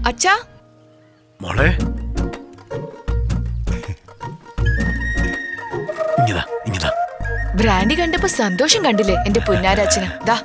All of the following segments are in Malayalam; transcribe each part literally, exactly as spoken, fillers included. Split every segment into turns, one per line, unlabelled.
അച്ഛാ
മോളെ ഇങ്ങതാ ഇങ്ങതാ.
ബ്രാൻഡി കണ്ടപ്പോ സന്തോഷം കണ്ടില്ലേ എന്റെ പുന്നാരച്ഛന്. ദാ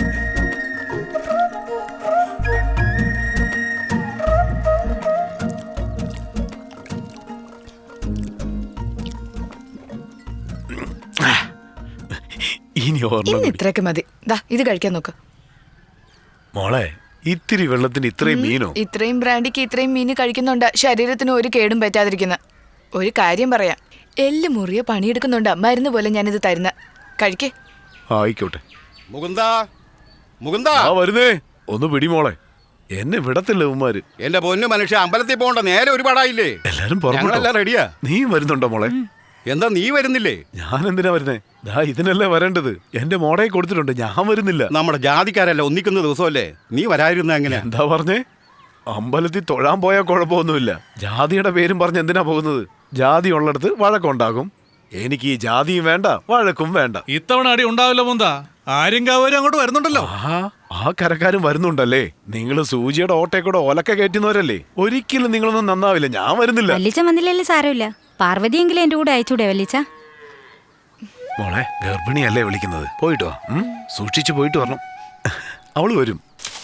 ഇന്ന് ഇത്രയൊക്കെ മതി. ദാ ഇത് കഴിക്കാൻ നോക്ക്
മോളെ. ഇത്തിരി വെള്ളത്തിന് ഇത്രയും മീനോ?
ഇത്രയും ബ്രാൻഡിക്ക് ഇത്രയും മീന് കഴിക്കുന്നുണ്ട് ശരീരത്തിന് ഒരു കേടും പറ്റാതിരിക്കുന്ന. ഒരു കാര്യം പറയാം, എല്ല് മുറിയ പണിയെടുക്കുന്നുണ്ടാ മരുന്ന് പോലെ ഞാനിത് തരുന്ന. കഴിക്കേ.
ആയിക്കോട്ടെ.
മുകുന്ദാ മുകുന്ദാ
വരുന്നേ. ഒന്ന് പിടി മോളെ, എന്നെ വിടത്തില്ല ഉമ്മാര്.
എന്റെ പൊന്നു മനുഷ്യ, അമ്പലത്തിൽ പോകണ്ട നേരെ ഒരുപാടായില്ലേ?
എല്ലാരും
ഞങ്ങളെല്ലാം റെഡിയാ.
നീ വരുന്നുണ്ടോ മോളെ?
എന്താ നീ വരുന്നില്ലേ?
ഞാൻ എന്തിനാ വരുന്നേ? ദാ ഇതിനല്ലേ വരേണ്ടത്. എന്റെ മോടെ കൊടുത്തിട്ടുണ്ട്, ഞാൻ വരുന്നില്ല.
നമ്മുടെ ജാതിക്കാരല്ല ഒന്നിക്കുന്ന ദിവസമല്ലേ, നീ വരാതിരുന്ന എങ്ങനെ?
എന്താ പറഞ്ഞേ? അമ്പലത്തിൽ തൊഴാൻ പോയാൽ കുഴപ്പമൊന്നുമില്ല. ജാതിയുടെ പേരും പറഞ്ഞ് എന്തിനാ പോകുന്നത്? ജാതി ഉള്ളിടത്ത് വഴക്കുണ്ടാകും. എനിക്ക് ഈ ജാതിയും വേണ്ട വഴക്കും വേണ്ട.
ഇത്തവണ അടി ഉണ്ടാവില്ല മുന്താ. ആര്യങ്കാവരും അങ്ങോട്ട് വരുന്നുണ്ടല്ലോ.
ആ കരക്കാരും വരുന്നുണ്ടല്ലേ. നിങ്ങൾ സൂചിയുടെ ഓട്ടേക്കൂടെ ഒലക്ക കയറ്റുന്നവരല്ലേ. ഒരിക്കലും നിങ്ങളൊന്നും നന്നാവില്ല. ഞാൻ വരുന്നില്ല.
വല്ലിച്ച വന്നില്ലല്ലേ സാരമില്ല. പാർവതിയെങ്കിലും എന്റെ കൂടെ അയച്ചൂടെ വല്ലിച്ച?
മോളെ ഗർഭിണിയല്ലേ വിളിക്കുന്നത്. പോയിട്ടോ, സൂക്ഷിച്ചു പോയിട്ട് വരണം. അവള് വരും.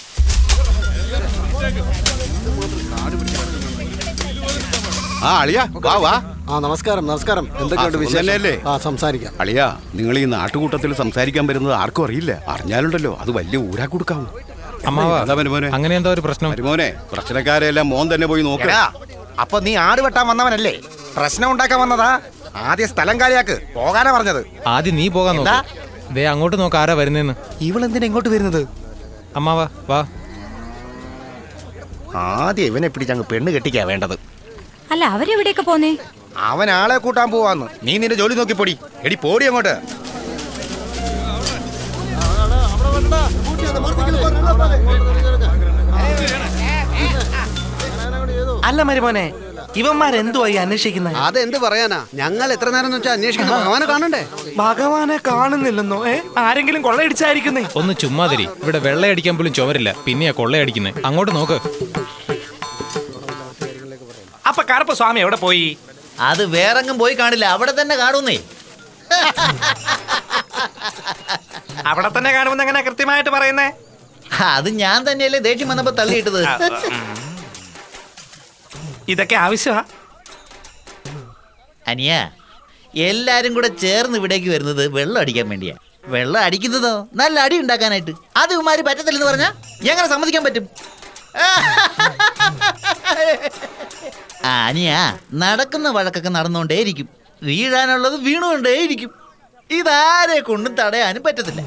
ആ അളിയാ വാ വാ.
ആ നമസ്കാരം നമസ്കാരം. എന്തൊക്കെയുണ്ട് വിശേഷമല്ലേ? ആ സംസാരിക്കാം.
അളിയാ, നിങ്ങൾ ഈ നാട്ടുകൂട്ടത്തിൽ സംസാരിക്കാൻ വരുന്നത് ആർക്കും അറിയില്ല. അറിഞ്ഞാലുണ്ടല്ലോ അത് വലിയ ഊരാ കൊടുക്കാവും.
അങ്ങനെ എന്താ ഒരു പ്രശ്നം?
മോനെ, പ്രശ്നക്കാരെല്ലാം മോൻ തന്നെ പോയി നോക്ക.
അപ്പൊ നീ ആട് വെട്ടാൻ വന്നവനല്ലേ? പ്രശ്നം ഉണ്ടാക്കാൻ വന്നതാ? ആദ്യ സ്ഥലം കാലിയാക്ക്. പോകാനാ പറഞ്ഞത്.
ആദ്യം നീ പോകാൻ നോക്ക്. ദേ അങ്ങോട്ട് നോക്ക് ആരാ വരുന്നേന്ന്.
ഇവളെന്തിനാ ഇങ്ങോട്ട് വരുന്നത്?
അമ്മാവാ വാ.
ആദ്യം ഇവനെ പിടിച്ചങ്ങ് പെണ്ണ് കെട്ടിക്കാ വേണ്ടത്.
അല്ല അവരെവിടെയൊക്കെ പോന്നേ?
അവൻ ആളെ കൂട്ടാൻ പോവാന്ന്. നീ നിന്റെ ജോലി നോക്കി പൊടി. എടി പോടി അങ്ങോട്ട്.
അല്ല മരുമോനെ, ഇവന്മാരെന്തുവാ ഈ അന്വേഷിക്കുന്നത്?
അതെന്ത് പറയാനാ, ഞങ്ങൾ എത്ര നേരം വെച്ചാൽ അന്വേഷിക്കണം. ഭഗവാനെ കാണണ്ടേ?
ഭഗവാനെ കാണുന്നില്ലെന്നോ? ഏ ആരെങ്കിലും കൊള്ളയടിച്ചായിരിക്കുന്നേ?
ഒന്ന് ചുമ്മാതിരി. ഇവിടെ വെള്ളയടിക്കാൻ പോലും ചുമരില്ല, പിന്നെയാ കൊള്ളയടിക്കുന്നേ. അങ്ങോട്ട് നോക്ക്.
അപ്പൊ കറുപ്പ സ്വാമി എവിടെ പോയി?
അത് വേറെങ്ങും പോയി കാണില്ല, അവിടെ തന്നെ കാണുന്നേ.
അവിടെ തന്നെ കാണുമെന്ന് എങ്ങനെ കൃത്യമായിട്ട് പറയുന്നേ?
അത് ഞാൻ തന്നെയല്ലേ ദേഷ്യം വന്നപ്പോ തള്ളിയിട്ടത്.
ഇതൊക്കെ ആവശ്യമാ
അനിയ. എല്ലാരും കൂടെ ചേർന്ന് ഇവിടേക്ക് വരുന്നത് വെള്ളം അടിക്കാൻ വേണ്ടിയാ. വെള്ളം അടിക്കുന്നതോ നല്ല അടി ഉണ്ടാക്കാനായിട്ട്. അത് ഇവന്മാര് പറ്റത്തില്ലെന്ന് പറഞ്ഞാ എങ്ങനെ സമ്മതിക്കാൻ പറ്റും? അനിയ, നടക്കുന്ന വഴക്കൊക്കെ നടന്നുകൊണ്ടേയിരിക്കും, വീഴാനുള്ളത് വീണുകൊണ്ടേയിരിക്കും. ഇതാരെ കൊണ്ടും തടയാനും പറ്റത്തില്ല.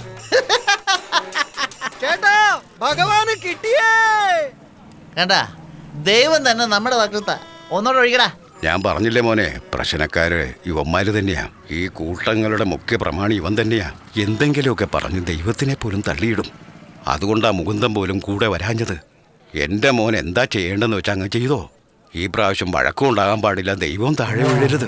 ചേട്ടാ, ഭഗവാന് കിട്ടിയേ.
കണ്ടാ, ദൈവം തന്നെ നമ്മുടെ വക്രത്ത. ഒന്നോടെ ഒഴിക്കടാ.
ഞാൻ പറഞ്ഞില്ലേ മോനെ, പ്രശ്നക്കാര് ഇവന്മാര് തന്നെയാ. ഈ കൂട്ടങ്ങളുടെ മുഖ്യ പ്രമാണി ഇവൻ തന്നെയാ. എന്തെങ്കിലുമൊക്കെ പറഞ്ഞ് ദൈവത്തിനെ പോലും തള്ളിയിടും. അതുകൊണ്ടാ മുകുന്ദൻ പോലും കൂടെ വരാഞ്ഞത്. എൻ്റെ മോൻ എന്താ ചെയ്യേണ്ടെന്ന് വെച്ചാൽ അങ്ങ് ചെയ്തോ. ഈ പ്രാവശ്യം വഴക്കം ഉണ്ടാകാൻ പാടില്ല. ദൈവം താഴെ വീഴരുത്.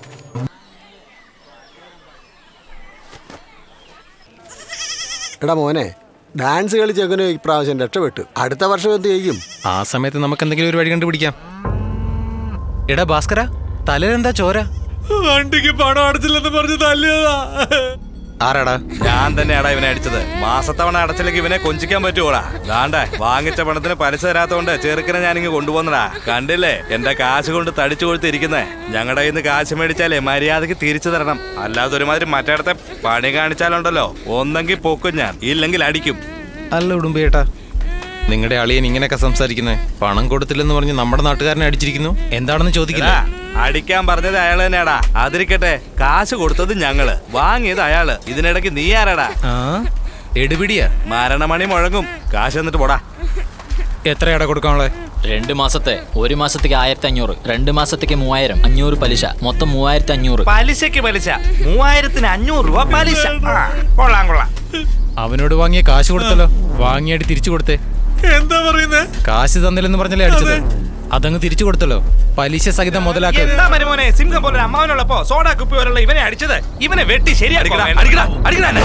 എടാ മോനെ, ഡാൻസ് കളിച്ചെങ്ങനെ ഈ പ്രാവശ്യം രക്ഷപ്പെട്ടു. അടുത്ത വർഷം എന്ത് ചെയ്യും?
ആ സമയത്ത് നമുക്ക് എന്തെങ്കിലും ഒരു വഴി കണ്ടുപിടിക്കാം. എടാ ഭാസ്കര, തലയിലെന്താ ചോര? വണ്ടിക്ക് പണം അടച്ചില്ലെന്ന് പറഞ്ഞ് തല്ലിയതാ.
ആരാടാ?
ഞാൻ തന്നെയാടാ ഇവനെ അടിച്ചത്. മാസത്തവണ അടച്ചില്ലെങ്കിൽ ഇവനെ കൊഞ്ചിക്കാൻ പറ്റുമോടാ? ദാണ്ടേ വാങ്ങിച്ച പണത്തിന് പലിശ തരാത്തോണ്ട് ചെറുക്കനെ ഞാനിങ്ങ് കൊണ്ടുപോന്നടാ. കണ്ടില്ലേ എന്റെ കാശ് കൊണ്ട് തടിച്ചു കൊടുത്തിരിക്കുന്നേ. ഞങ്ങളുടെ കയ്യിൽ നിന്ന് കാശ് മേടിച്ചാലേ മര്യാദക്ക് തിരിച്ചു തരണം. അല്ലാതെ ഒരുമാതിരി മറ്റേടത്തെ പണി കാണിച്ചാലുണ്ടല്ലോ, ഒന്നെങ്കിൽ പൊക്കും ഞാൻ, ഇല്ലെങ്കിൽ അടിക്കും.
അല്ല ഉടുമ്പേട്ടാ, നിങ്ങളുടെ അളിയൻ ഇങ്ങനെയൊക്കെ സംസാരിക്കുന്നേ? പണം കൊടുത്തില്ലെന്ന് പറഞ്ഞ് നമ്മുടെ നാട്ടുകാരനെ അടിച്ചിരിക്കുന്നു. എന്താണെന്ന് ചോദിക്കില്ല.
അടിക്കാൻ പറഞ്ഞത് അയാള് തന്നെയാടാ. അതിരിക്കട്ടെ, കാശ് കൊടുത്തത് ഞങ്ങള്, വാങ്ങിയത് അയാള്. ഇതിനിടയ്ക്ക് നീ ആരാടാ?
എടുപിടിയാ.
മരണമണി മുഴങ്ങും. കാശ് എന്നിട്ട് പോടാ.
എത്രയാടാ കൊടുക്കാനുള്ളത്?
രണ്ട് മാസത്തെ. ഒരു മാസത്തേക്ക് ആയിരത്തി അഞ്ഞൂറ്, രണ്ട് മാസത്തേക്ക് മൂവായിരം, അഞ്ഞൂറ് പലിശ, മൊത്തം മൂവായിരത്തി അഞ്ഞൂറ്.
പലിശക്ക് പലിശ മൂവായിരത്തിന് അഞ്ഞൂറ് രൂപ പലിശ. കൊള്ളാം കൊള്ളാം.
അവനോട് വാങ്ങിയ കാശ് കൊടുത്തല്ലോ, വാങ്ങിയായിട്ട് തിരിച്ചു കൊടുത്തേ.
എന്താ പറയുന്നത്?
കാശ് തന്നില്ലെന്ന് പറഞ്ഞല്ലേ അടിച്ചത്? അതങ്ങ് തിരിച്ചു കൊടുത്തല്ലോ, പലിശ സഹിതം മുതലാക്കി.
എന്താ മരുമോനെ, സിംഹം പോലെ അമ്മാവനുള്ളപ്പോ സോഡാ കുപ്പി പോലുള്ള ഇവനെ അടിച്ചത്? ഇവനെ വെട്ടി ശരിയാക്കണം.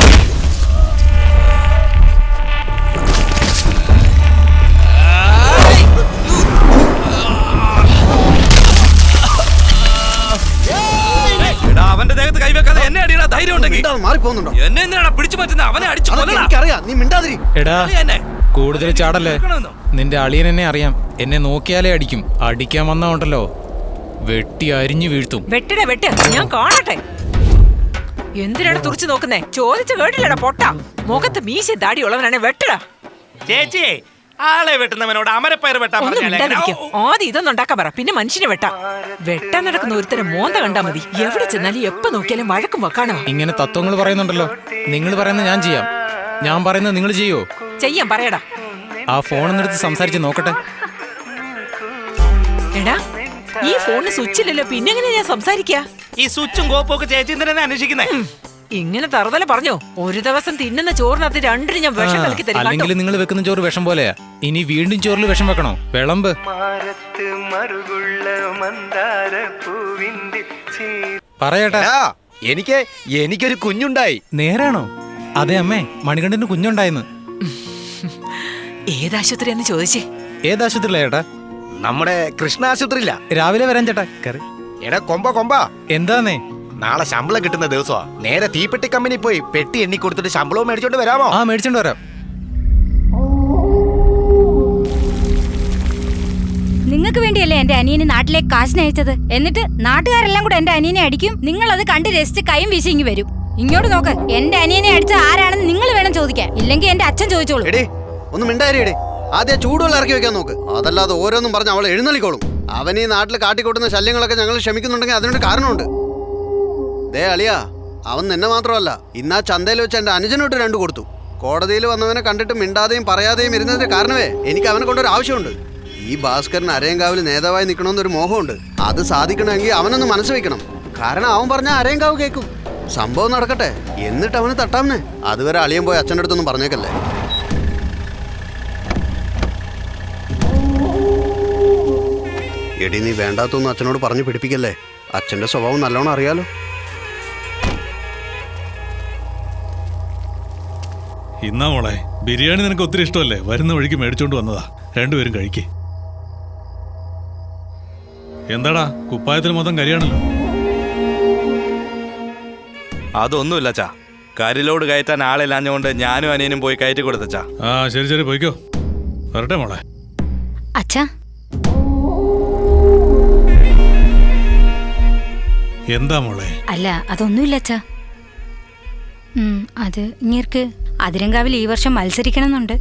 മാറിപ്പോകുന്നുണ്ടോ?
എന്നെ എന്തിനാണ് പിടിച്ചു പറ്റുന്ന? അവനെ അടിച്ചു
അതൊക്കെ എനിക്കറിയാം, നീ മിണ്ടാതിരി.
എടാ കൂടുതൽ ചാടല്ലേ. നിന്റെ അളിയൻ എന്നെ അറിയാം. എന്നെ നോക്കിയാലേ അടിക്കും. അടിക്കാൻ വന്നാ ഉണ്ടല്ലോ വെട്ടി അരിഞ്ഞു വീഴ്ത്തും.
വെട്ടിട വെട്ട്, ഞാൻ കാണട്ടെ. എന്തിനാണ് തുറച്ചു നോക്കുന്നേ? ചോദിച്ചു കേട്ടില്ലടാ പൊട്ട. മുഖത്ത് മീശ ദാടി ഉള്ളവനാണ് വെട്ടടാ.
ചേച്ചി, ആളെ വെട്ടുന്നവനോട് അമരപ്പയർ വെട്ടാൻ
ഒന്നും
പറഞ്ഞാലേ
മിണ്ടാതിരിക്കും. ആദ്യം ഇതൊന്നും ഉണ്ടാക്കാൻ പറ, പിന്നെ മനുഷ്യനെ വെട്ടാം. വെട്ടാൻ നടക്കുന്ന ഒരുത്തരം മോന്ത കണ്ടാ മതി. എവിടെ ചെന്നാലും എപ്പോ നോക്കിയാലും വഴക്കും വെക്കാണോ.
ഇങ്ങനെ തത്വങ്ങൾ പറയുന്നുണ്ടല്ലോ. നിങ്ങൾ പറയുന്നത് ഞാൻ ചെയ്യാം, ഞാൻ പറയുന്നത് നിങ്ങൾ ചെയ്യോ?
ചെയ്യാൻ പറയടാ.
ആ ഫോണെന്നെടുത്ത് സംസാരിച്ച് നോക്കട്ടെ.
എടാ, ഈ ഫോണിന് സ്വിച്ച് ഇല്ലല്ലോ, പിന്നെ എങ്ങനെ ഞാൻ സംസാരിക്കാ?
ഈ സ്വിച്ചും കോപ്പും ഒക്കെ ചേച്ചി എന്തിനാ അന്വേഷിക്കുന്നേ?
ഇങ്ങനെ തറുതല പറഞ്ഞോ? ഒരു ദിവസം തിന്നുന്ന ചോറിനകത്ത് രണ്ടിന് ഞാൻ വിഷം കലക്കി തരും.
അല്ലെങ്കിൽ നിങ്ങൾ വെക്കുന്ന ചോറ് വിഷം പോലെയാ. ഇനി വീണ്ടും ചോറിൽ വിഷം വെക്കണോ? വിളമ്പ്. പറയട്ടെ.
എനിക്ക് എനിക്കൊരു കുഞ്ഞുണ്ടായി.
നേരാണോ? അതെ അമ്മേ, മണികണ്ഠന് കുഞ്ഞുണ്ടായിന്ന്.
ഏതാശുപത്രിയാന്ന് ചോദിച്ചേ?
ഏതാശുപത്രിയിലാ ചേട്ടാ?
നമ്മുടെ കൃഷ്ണ ആശുപത്രിയില്ല.
രാവിലെ വരാൻ ചേട്ടാ. കറി.
എടാ കൊമ്പ കൊമ്പ,
എന്താന്നേ?
നാളെ ശമ്പളം കിട്ടുന്ന ദിവസമാ. നേരെ തീപ്പെട്ടി കമ്പനി പോയി പെട്ടി എണ്ണി കൊടുത്തിട്ട് ശമ്പളവും മേടിച്ചോണ്ട് വരാമോ?
ആ മേടിച്ചോണ്ട് വരാം.
നിങ്ങൾക്ക് വേണ്ടിയല്ലേ എന്റെ അനിയനെ നാട്ടിലേക്ക് കാശിന് അയച്ചത്. എന്നിട്ട് നാട്ടുകാരെല്ലാം കൂടെ എന്റെ അനിയനെ അടിക്കും. നിങ്ങൾ അത് കണ്ട് രസിച്ച് കൈയും വീശി ഇങ്ങ് വരും. ഇങ്ങോട്ട് നോക്ക്, എന്റെ അനിയനെ അടിച്ച ആരാണെന്ന് നിങ്ങൾ വേണം ചോദിക്കാൻ. ഇല്ലെങ്കിൽ എന്റെ അച്ഛൻ ചോദിച്ചോളൂ.
എടേ ഒന്ന് മിണ്ടാരിയടേ. ആദ്യം ചൂടുവെള്ളം ഇറക്കി വെക്കാൻ നോക്ക്. അതല്ലാതെ ഓരോന്നും പറഞ്ഞ് അവൾ എഴുന്നള്ളിക്കോളും. അവൻ ഈ നാട്ടിൽ കാട്ടിക്കൂട്ടുന്ന ശല്യങ്ങളൊക്കെ ഞങ്ങൾ ക്ഷമിക്കുന്നുണ്ടെങ്കിൽ അതിനൊരു കാരണമുണ്ട്. ദേ അളിയാ, അവൻ നിന്നെ മാത്രമല്ല, ഇന്നാ ചന്തയിൽ വെച്ച് എന്റെ അനുജനോട്ട് രണ്ടു കൊടുത്തു. കോടതിയിൽ വന്നവനെ കണ്ടിട്ട് മിണ്ടാതെയും പറയാതെയും ഇരുന്നതിന്റെ കാരണമേ എനിക്ക് അവനെ കൊണ്ടൊരു ആവശ്യമുണ്ട്. ഈ ഭാസ്കരൻ അരയങ്കാവിൽ നേതാവായി നിൽക്കണമെന്നൊരു മോഹമുണ്ട്. അത് സാധിക്കണമെങ്കിൽ അവനൊന്ന് മനസ്സ് വെക്കണം. കാരണം അവൻ പറഞ്ഞാൽ അരയങ്കാവ് കേൾക്കും. സംഭവം നടക്കട്ടെ, എന്നിട്ട് അവന് തട്ടാമെന്നേ. അതുവരെ അളിയൻ പോയി അച്ഛൻ്റെ അടുത്തൊന്നും പറഞ്ഞേക്കല്ലേ. എടി, നീ വേണ്ടാത്തൊന്നും അച്ഛനോട് പറഞ്ഞു പിടിപ്പിക്കല്ലേ. അച്ഛൻ്റെ സ്വഭാവം നല്ലോണം അറിയാലോ.
ഇന്നാ മോളെ, ബിരിയാണി നിനക്ക് ഒത്തിരി ഇഷ്ടമല്ലേ? വരുന്ന വഴിക്ക് മേടിച്ചോണ്ട് വന്നതാ. രണ്ടുപേരും കഴിക്കേ. എന്താടാ, കുപ്പായത്തിന് മൊത്തം കരിയാണല്ലോ.
അതൊന്നുമില്ല ചാ, കരിലോട് കയറ്റാൻ ആളില്ലാഞ്ഞുകൊണ്ട് ഞാനും അനിയനും പോയി കയറ്റി കൊടുത്തച്ചാ.
ആ ശരി ശരി, പോയിക്കോ. വരട്ടെ മോളെ.
അച്ഛാ,
എന്താ മോളെ?
അല്ല അതൊന്നുമില്ല അച്ഛാ. അത് ഇങ്ങേർക്ക് അതിരങ്കാവിൽ ഈ വർഷം മത്സരിക്കണമെന്നുണ്ട്.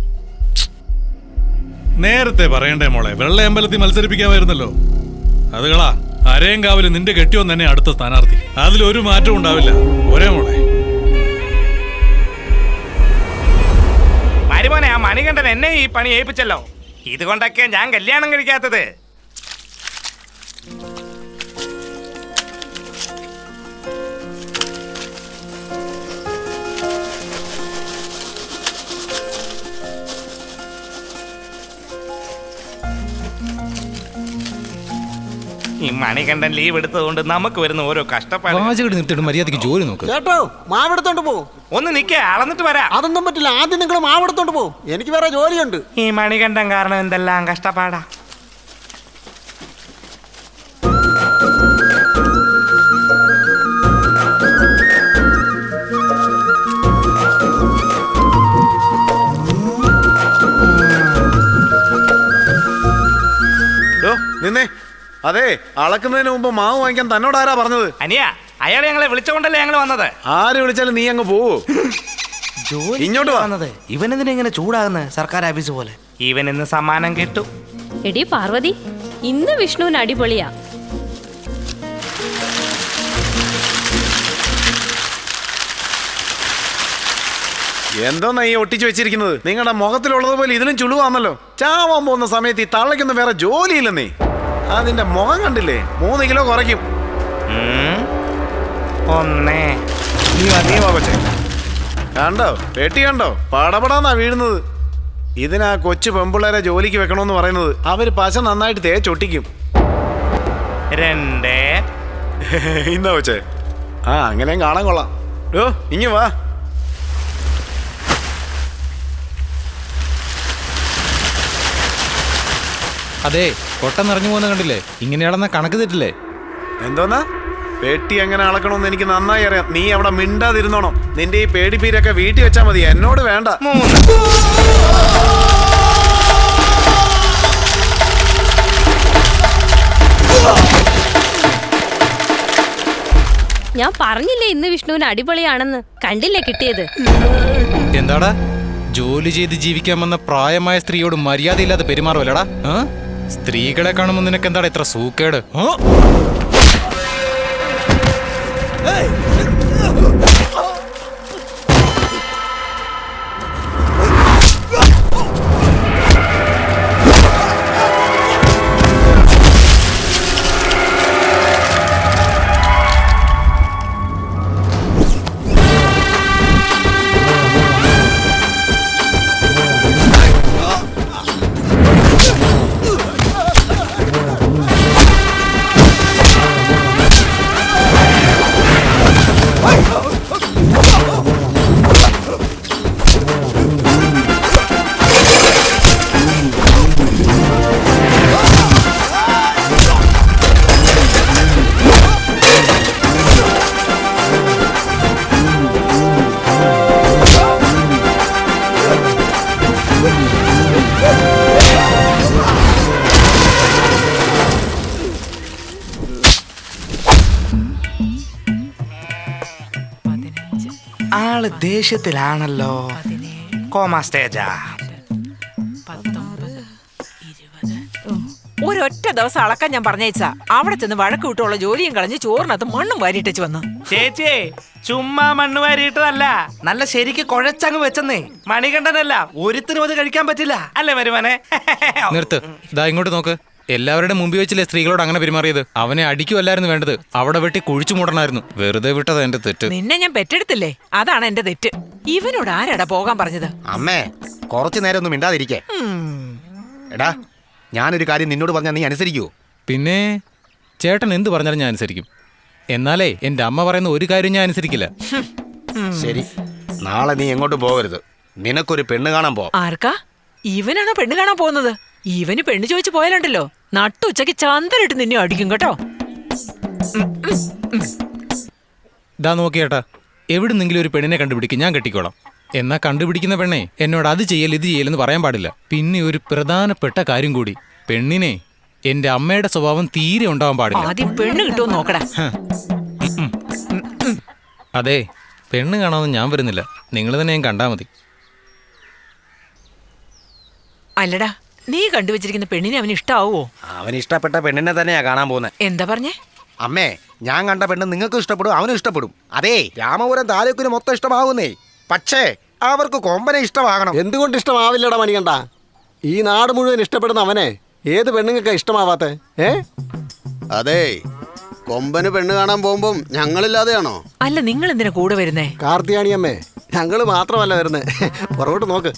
നേരത്തെ പറയണ്ടേ മോളെ, വെള്ളയമ്പലത്തിൽ മത്സരിപ്പിക്കാമായിരുന്നല്ലോ. അത് കളാ, അരയങ്കാവില് നിന്റെ കെട്ടിയോൻ തന്നെ അടുത്ത സ്ഥാനാർത്ഥി. അതിലൊരു മാറ്റവും ഉണ്ടാവില്ല. ഒരേ മോളെ.
മരുമോനെ, ആ മണികണ്ഠൻ എന്നെ ഈ പണി ഏൽപ്പിച്ചല്ലോ. ഇതുകൊണ്ടൊക്കെ ഞാൻ കല്യാണം കഴിക്കാത്തത്. ഈ മണികണ്ഠൻ ലീവ് എടുത്തതുകൊണ്ട് നമുക്ക് വരുന്ന ഓരോ കഷ്ടപ്പാട്.
മര്യാദക്ക് ജോലി നോക്ക്
കേട്ടോ. മാവെടുത്തോണ്ട് പോകും.
ഒന്ന് നിക്കേ, അളന്നിട്ട് വരാം.
അതൊന്നും പറ്റില്ല. ആദ്യം നിങ്ങൾ മാവെടുത്തോണ്ട് പോകും. എനിക്ക് വേറെ ജോലിയുണ്ട്.
ഈ മണികണ്ഠൻ കാരണം എന്തെല്ലാം കഷ്ടപ്പാടാ.
നിന്നേ. അതെ, അളക്കുന്നതിന് മുമ്പ് മാവ് വാങ്ങിക്കാൻ തന്നോട് ആരാ പറഞ്ഞത്?
അനിയ, അയാളെ ഞങ്ങളെ വിളിച്ചുകൊണ്ടല്ലേ ഞങ്ങൾ വന്നത്.
ആര് വിളിച്ചാലും നീ അങ്ങ് പോവൂ. ഇങ്ങോട്ട് വന്നത്.
ഇവനെന്തിനാ ഇങ്ങനെ ചൂടാകുന്നത്? സർക്കാർ ഓഫീസ് പോലെ. ഇവൻ ഇന്ന് സമ്മാനം കിട്ടും.
എടി പാർവതി, ഇന്ന് വിഷ്ണുവിന് അടിപൊളിയാ.
എന്തോന്നാ ഈ ഒട്ടിച്ചു വെച്ചിരിക്കുന്നത്? നിങ്ങളുടെ മുഖത്തിലുള്ളത് പോലെ ഇതിലും ചുളുവാന്നല്ലോ. ചാവാൻ പോകുന്ന സമയത്ത് ഈ തള്ളയ്ക്കൊന്നും വേറെ ജോലിയില്ലെന്നേ. അതിന്റെ മുഖം കണ്ടില്ലേ? മൂന്ന് കിലോ കുറയ്ക്കും.
ഒന്നേ
കണ്ടോ? പെട്ടി കണ്ടോ? പടപടാന്നാ വീഴുന്നത്. ഇതിനാ കൊച്ചു പെമ്പിള്ളേരെ ജോലിക്ക് വെക്കണമെന്ന് പറയുന്നത്. അവര് പശ നന്നായിട്ട് തേച്ചൊട്ടിക്കും.
രണ്ടേ
ഇന്നാ കൊച്ചേ. ആ അങ്ങനെയും കാണാൻ കൊള്ളാം. ഓ ഇങ്ങ് വാ.
അതെ, കൊട്ട നിറഞ്ഞു പോകുന്ന കണ്ടില്ലേ? ഇങ്ങനെയാണെന്ന കണക്ക് തെറ്റില്ലേ?
എന്തോന്നാ? പെട്ടി എങ്ങനെ അളക്കണമെന്ന് എനിക്ക് നന്നായി അറിയാം. നീ അവിടെ മിണ്ടാതിരുന്നോണം. നിന്റെ ഈ പേടിപ്പീരൊക്കെ വീട്ടിൽ വെച്ചാ മതി, എന്നോട് വേണ്ട.
ഞാൻ പറഞ്ഞില്ലേ ഇന്ന് വിഷ്ണുവിന് അടിപൊളിയാണെന്ന്. കണ്ടില്ലേ കിട്ടിയത്?
എന്താടാ ജോലി ചെയ്ത് ജീവിക്കാൻ വന്ന പ്രായമായ സ്ത്രീയോട് മര്യാദയില്ലാതെ പെരുമാറുമല്ലടാ. സ്ത്രീകളെ കാണുമ്പോൾ നിനക്ക് എന്താടാ ഇത്ര സൂക്കേട്?
ആള് ദേഷ്യത്തിലാണല്ലോ. കോമാ സ്റ്റേജാ.
ഒരൊറ്റ ദിവസം അളക്കാൻ ഞാൻ പറഞ്ഞേച്ചാ അവിടെ ചെന്ന് വഴക്ക് വിട്ടുള്ള ജോലിയും കളഞ്ഞ് ചോറിനകത്ത് മണ്ണും വാരിയിട്ടേച്ച് വന്നു.
ചേച്ചി ചുമ്മാ മണ്ണ് വാരിയിട്ടതല്ല, നല്ല ശരിക്ക് കുഴച്ചങ്ങ് വെച്ചെന്നേ. മണികണ്ഠനല്ല ഒരുത്തിനും അത് കഴിക്കാൻ പറ്റില്ല അല്ലേ വരുമാനെ?
നിർത്ത്, ഇതാ ഇങ്ങോട്ട് നോക്ക്. എല്ലാവരുടെ മുമ്പിൽ വെച്ചില്ലേ സ്ത്രീകളോട് അങ്ങനെ പെരുമാറിയത്? അവനെ അടിക്കുമല്ലായിരുന്നു വേണ്ടത്, അവിടെ വെട്ടി കുഴിച്ചു മൂടണമായിരുന്നു. വെറുതെ വിട്ടത് എന്റെ തെറ്റ്.
നിന്നെ ഞാൻ പെറ്റെടുത്തില്ലേ, അതാണ് എന്റെ തെറ്റ്. ഇവനോട് ആരാടാ പോകാൻ പറഞ്ഞത്?
അമ്മേ കുറച്ചു നേരം ഒന്നും മിണ്ടാതിരിക്കേ. എടാ ഞാനൊരു കാര്യം നിന്നോട് പറഞ്ഞാൽ നീ അനുസരിക്കൂ?
പിന്നെ ചേട്ടൻ എന്ത് പറഞ്ഞാലും ഞാൻ അനുസരിക്കും. എന്നാലേ എന്റെ അമ്മ പറയുന്ന ഒരു കാര്യം ഞാൻ അനുസരിക്കില്ല.
ശരി, നാളെ നീ എങ്ങോട്ടും പോകരുത്. നിനക്കൊരു പെണ്ണ് കാണാൻ പോ.
ആർക്കാ? ഇവനാണോ പെണ്ണ് കാണാൻ പോകുന്നത്? ഇവന് പെണ്ണ് ചോദിച്ചു പോയാലുണ്ടല്ലോ നട്ടുച്ചയ്ക്ക് ചന്തലിട്ട് നിന്നെ അടിക്കും കേട്ടോ.
ഇതാ നോക്കിയേട്ടാ, എവിടുന്നെങ്കിലും ഒരു പെണ്ണിനെ കണ്ടുപിടിക്കും, ഞാൻ കെട്ടിക്കോളാം. എന്നാ കണ്ടുപിടിക്കുന്ന പെണ്ണെ എന്നോട് അത് ചെയ്യൽ ഇത് ചെയ്യലെന്ന് പറയാൻ പാടില്ല. പിന്നെ ഒരു പ്രധാനപ്പെട്ട കാര്യം കൂടി, പെണ്ണിനെ എന്റെ അമ്മയുടെ സ്വഭാവം തീരെ ഉണ്ടാവാൻ പാടില്ല.
ആദ്യം പെണ്ണ് കിട്ടുമോ നോക്കടാ.
അതെ, പെണ്ണ് കാണാമെന്ന് ഞാൻ വരുന്നില്ല, നിങ്ങൾ തന്നെ ഞാൻ കണ്ടാ മതി.
അല്ലടാ, നീ കണ്ടുവച്ചിരിക്കുന്ന പെണ്ണിനെ അവന് ഇഷ്ടാവോ?
അവന് ഇഷ്ടപ്പെട്ട പെണ്ണിനെ തന്നെയാ കാണാൻ പോകുന്നത്.
എന്താ പറഞ്ഞേ?
അമ്മേ ഞാൻ കണ്ട പെണ്ണ് നിങ്ങൾക്കും ഇഷ്ടപ്പെടും അവനും ഇഷ്ടപ്പെടും. അതേ രാമപുരം താലൂക്കിന് മൊത്തം ഇഷ്ടമാകുന്നേ. പക്ഷേ അവർക്ക് കൊമ്പനെ ഇഷ്ടമാകണം.
എന്തുകൊണ്ട് ഇഷ്ടമാവില്ലടാ മണികണ്ഠ? ഈ നാട് മുഴുവൻ ഇഷ്ടപ്പെടുന്ന അവനെ ഏത് പെണ്ണുങ്ങൾക്ക് ഇഷ്ടമാവാത്തെ? ഏ
അതെ, കൊമ്പന് പെണ്ണ് കാണാൻ പോകുമ്പം ഞങ്ങളില്ലാതെയാണോ?
അല്ല, നിങ്ങൾ എന്തിനാ കൂടെ വരുന്നേ?
കാർത്തിയാണിയമ്മേ, ഞങ്ങള് മാത്രമല്ല വരുന്നേ. പുറകോട്ട് നോക്ക്.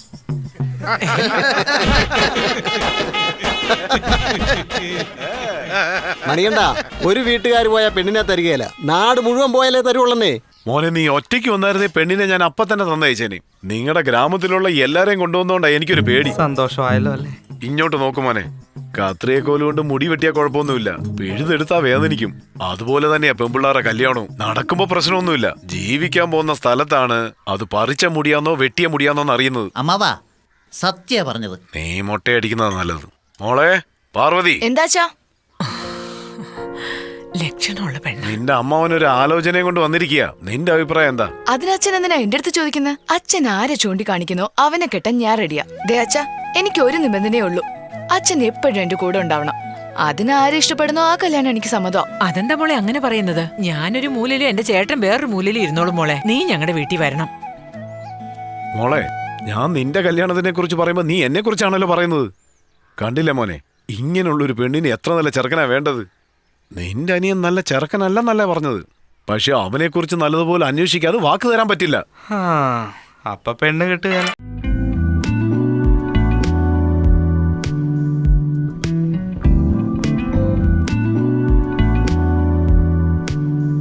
മണികണ്ഠ, ഒരു വീട്ടുകാർ പോയാ പെണ്ണിനെ തരികയില്ല, നാട് മുഴുവൻ പോയാലേ തരുവുള്ളന്നേ.
മോനെ നീ ഒറ്റയ്ക്ക് വന്നായിരുന്നേ പെണ്ണിനെ ഞാൻ അപ്പൊ തന്നെ തന്നയച്ചേനെ. നിങ്ങളുടെ ഗ്രാമത്തിലുള്ള എല്ലാരെയും കൊണ്ടുവന്നോണ്ടാ എനിക്കൊരു പേടി.
സന്തോഷമായല്ലോ അല്ലേ?
ഇങ്ങോട്ട് നോക്കും മോനെ, കത്രിയക്കോല് കൊണ്ട് മുടി വെട്ടിയാ കുഴപ്പമൊന്നുമില്ല, പിഴുതെടുത്താ വേദനിക്കും. അതുപോലെ തന്നെയാ പെമ്പിള്ളാറെ കല്യാണവും. നടക്കുമ്പോ പ്രശ്നമൊന്നുമില്ല. ജീവിക്കാൻ പോകുന്ന സ്ഥലത്താണ് അത് പറിച്ച മുടിയാന്നോ വെട്ടിയ മുടിയാന്നോന്ന് അറിയുന്നത്.
അമ്മാവാ സത്യ പറഞ്ഞത്.
നീ മുട്ടയടിക്കുന്നതാ നല്ലത്. മോളെ പാർവതി,
എന്താച്ചാ?
ലക്ഷണമുള്ള പെണ്ണ്.
നിന്റെ അമ്മാവനൊരു ആലോചനയും കൊണ്ട് വന്നിരിക്കുക. നിന്റെ അഭിപ്രായം എന്താ?
അതിനച്ഛൻ എന്തിനാ എന്റെ അടുത്ത് ചോദിക്കുന്നത്? അച്ഛൻ ആരെ ചൂണ്ടിക്കാണിക്കുന്നോ അവനെ കെട്ടാൻ ഞാൻ റെഡിയാ. ദേ അച്ഛാ, എനിക്ക് ഒരു നിബന്ധനയേ ഉള്ളൂ, അച്ഛൻ എപ്പോഴും എന്റെ കൂടെ ഉണ്ടാവണം. അതിനാരെ ഇഷ്ടപ്പെടുന്നോ ആ കല്യാണം എനിക്ക് സമ്മതം.
അതെന്താ മോളെ അങ്ങനെ പറയുന്നത്? ഞാനൊരു മൂലയിലും എന്റെ ചേട്ടൻ വേറൊരു മൂലയിലും ഇരുന്നോളും മോളെ. നീ ഞങ്ങളുടെ വീട്ടിൽ വരണം.
മോളെ, ഞാൻ നിന്റെ കല്യാണത്തിനെ കുറിച്ച് പറയുമ്പോ നീ എന്നെ കുറിച്ചാണല്ലോ പറയുന്നത്. കണ്ടില്ല മോനെ, ഇങ്ങനെയുള്ളൊരു പെണ്ണിന് എത്ര നല്ല ചെറുക്കനാ വേണ്ടത്. നിന്റെ അനിയൻ നല്ല ചെറുക്കനല്ലെന്നല്ല പറഞ്ഞത്, പക്ഷെ അവനെ കുറിച്ച് നല്ലതുപോലെ അന്വേഷിക്കാതെ വാക്ക് തരാൻ പറ്റില്ല.
അപ്പൊ പെണ്ണ് കിട്ടുക